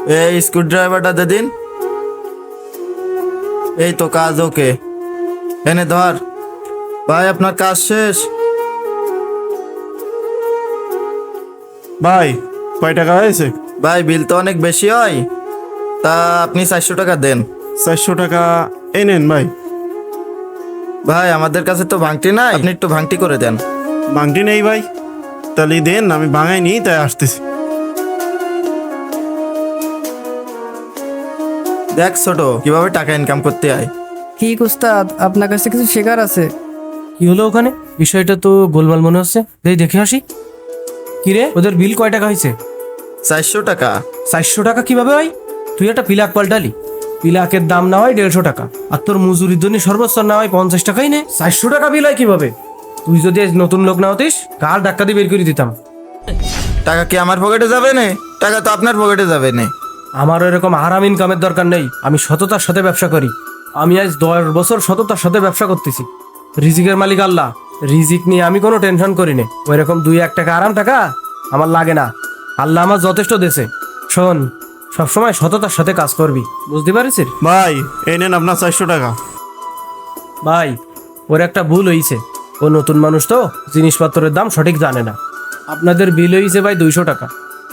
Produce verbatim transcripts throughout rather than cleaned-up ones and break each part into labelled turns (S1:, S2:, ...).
S1: এই স্ক্রু ড্রাইভারটা দে দিন। এই তো কাজ ওকে, এনে ধর। ভাই আপনার কাজ শেষ।
S2: ভাই কয় টাকা হয়েছে?
S1: ভাই বিল তো অনেক বেশি হয়, তা আপনি চারশো টাকা দেন।
S2: চারশো টাকা এই নেন ভাই।
S1: ভাই আমাদের কাছে তো ভাঙটি নাই, আপনি একটু ভাঙটি করে দেন।
S2: ভাঙটি নেই ভাই? তাহলে দেন, আমি ভাঙাই নি তাই আসতেছি।
S1: দেখ ছোট, কিভাবে টাকা ইনকাম করতে হয়।
S3: ঠিক উস্তাদ, আপনার কাছে কিছু শেখার আছে।
S4: কি হলো ওখানে? বিষয়টা তো গোলমাল মনে হচ্ছে। দেই দেখে আসি। কিরে, ওদের বিল কয় টাকা হয়েছে?
S1: চারশো টাকা।
S4: চারশো টাকা কিভাবে হয়? তুই একটা পিলাক পাল্টালি। পিলাকের দাম না হয় দেড়শো টাকা, আর তোর মজুরির জন্য সর্বোচ্চ না হয় পঞ্চাশ টাকাই নে। চারশো টাকা বিল হয় কিভাবে? তুই যদি আজ নতুন লোক না হতিস, কার ডাক্কা দিয়ে বের করে দিতাম।
S1: টাকা কি আমার পকেটে যাবে না? টাকা তো আপনার পকেটে যাবে না।
S4: আমার এরকম আরাম ইনকামের দরকার নেই। আমি সততার সাথে ব্যবসা করি। আমি আজ দশ বছর সততার সাথে ব্যবসা করতেছি। রিজিকের মালিক আল্লাহ, রিজিক নিয়ে আমি কোনো টেনশন করি না। ওই রকম দুই এক টাকা আরাম টাকা আমার লাগে না। আল্লাহ আমার যথেষ্ট দেশে। শোন, সবসময় সততার সাথে কাজ করবি, বুঝতে পারিস?
S2: ভাই এই নেন আপনার চারশো টাকা।
S4: ভাই, ওর একটা ভুল হয়েছে। ও নতুন মানুষ তো, জিনিসপত্রের দাম সঠিক জানে না। আপনাদের বিল হয়েছে ভাই দুইশো টাকা।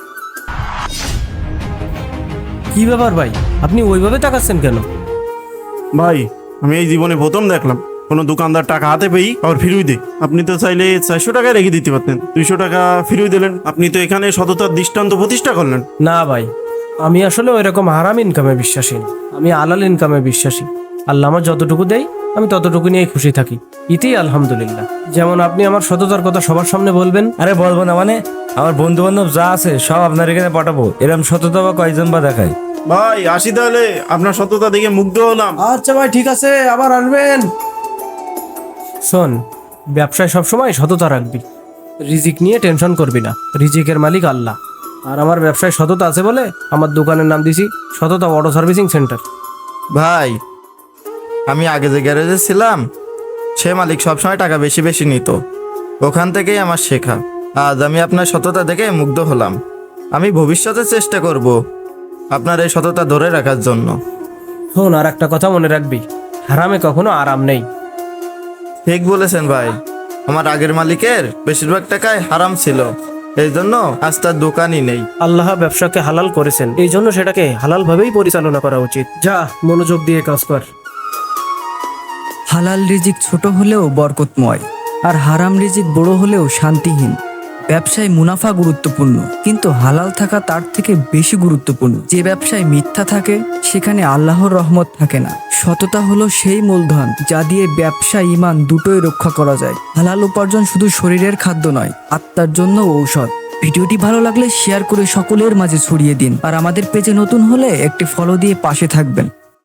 S4: কি ব্যাপার ভাই, আপনি ওইভাবে টাকাচ্ছেন কেন?
S2: ভাই আমি এই জীবনে প্রথম দেখলাম কোনো দোকানদার টাকা হাতে পেয়েই আবার ফিরিয়ে দে। আপনি তো চাইলে চারশো টাকায় রেখে দিতে পারতেন, দুইশো টাকা ফিরিয়ে দিলেন। আপনি তো এখানে সততার দৃষ্টান্ত প্রতিষ্ঠা করলেন।
S4: না ভাই, আমি আসলে ওই রকম হারাম ইনকামে বিশ্বাসী না। আমি আলাল ইনকামে বিশ্বাসী। আল্লাহ আমার যতটুকু দেয় আমি ততটুকু নিয়ে খুশি থাকি, ইতেই আলহামদুলিল্লাহ। যেমন আপনি আমার সততার কথা সবার সামনে বলবেন।
S5: আরে বলবো না মানে, আমার বন্ধু বান্ধব যা আছে সব আপনার এখানে পাঠাবো। এরকম সততা বা কয়জন বা দেখায়।
S2: ভাই আসি তাহলে, আপনার সততা দেখে মুগ্ধ হলাম।
S4: আচ্ছা ভাই, ঠিক আছে, আবার আসবেন। শোন, ব্যবসায় সবসময় সততা রাখবি। রিজিক নিয়ে টেনশন করবি না, রিজিকের মালিক আল্লাহ। আর আমার ব্যবসায় সততা আছে বলে আমার দোকানের নাম দিছি সততা অটো সার্ভিসিং সেন্টার।
S1: ভাই আমি আগে যে গ্যারেজে ছিলাম, সে মালিক সবসময় টাকা বেশি বেশি নিত। ওখান থেকেই আমার শেখা। আজ আমি আপনার সততা দেখে মুগ্ধ হলাম। আমি ভবিষ্যতে চেষ্টা করব আপনার এই সততা ধরে রাখার জন্য।
S4: শোন, আর একটা কথা মনে রাখবি, হারামে কখনো আরাম নেই।
S1: ঠিক বলেছেন ভাই, আমার আগের মালিকের বেশিরভাগ টাকাই হারাম ছিল, এই জন্য আজ তার দোকানই নেই।
S4: আল্লাহ ব্যবসাকে হালাল করেছেন, এই জন্য সেটাকে হালাল ভাবেই পরিচালনা করা উচিত। যা, মনোযোগ দিয়ে কাজ কর।
S3: হালাল রিজিক ছোট হলেও বরকতময়, আর হারাম রিজিক বড় হলেও শান্তিহীন। ব্যবসায় মুনাফা গুরুত্বপূর্ণ, কিন্তু হালাল থাকা তার থেকে বেশি গুরুত্বপূর্ণ। যে ব্যবসায় মিথ্যা থাকে সেখানে আল্লাহর রহমত থাকে না। সততা হলো সেই মূলধন যা দিয়ে ব্যবসা ঈমান দুটোই রক্ষা করা যায়। হালাল উপার্জন শুধু শরীরের খাদ্য নয়, আত্মার জন্য ঔষধ। ভিডিওটি ভালো লাগলে শেয়ার করে সকলের মাঝে ছড়িয়ে দিন, আর আমাদের পেজে নতুন হলে একটি ফলো দিয়ে পাশে থাকবেন।